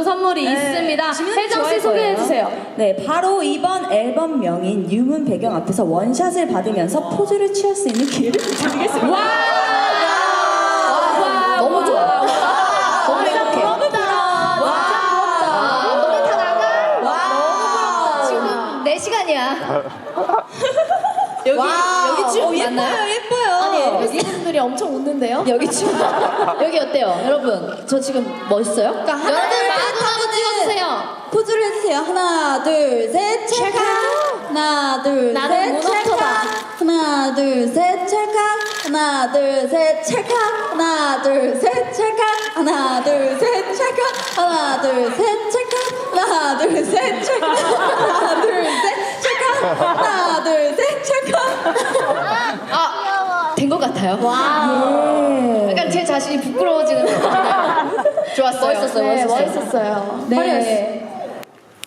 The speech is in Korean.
선물이 있습니다. 혜정 씨 소개해 주세요. 네, 바로 이번 앨범명인 유문 배경 앞에서 원샷을 받으면서 포즈를 취할 수 있는 기회를 드리겠습니다. 와! 너무 좋아. 너무 행복해. 노래 다 나가? 지금 4시간이야. 여기 쭉 맞나요? 예뻐요. 아니, 앨리스분들이 엄청 웃는데요? 여기 춤. 여기 어때요? 여러분, 저 지금 멋있어요? 그러니까 하나, 여러분, 둘, 셋 마구 찍어주세요. 포즈를 해주세요. 하나, 둘, 셋, 찰칵. 하나, 둘, 나는 셋, 찰칵. 하나, 둘, 셋, 찰칵. 하나, 둘, 셋, 찰칵. 하나, 둘, 셋, 찰칵. 하나, 둘, 셋, 찰칵. 하나, 둘, 셋, 찰칵. 하나, 둘, 셋, 찰칵. 하나, 둘, 셋, 찰칵. 하나, 둘, 셋, 찰칵. 된 것 같아요. 와. 약간 제 자신이 부끄러워지는 것 같아요. 좋았어요. 멋있었어요. 네, 멋있었어요. 네. 화려했어요.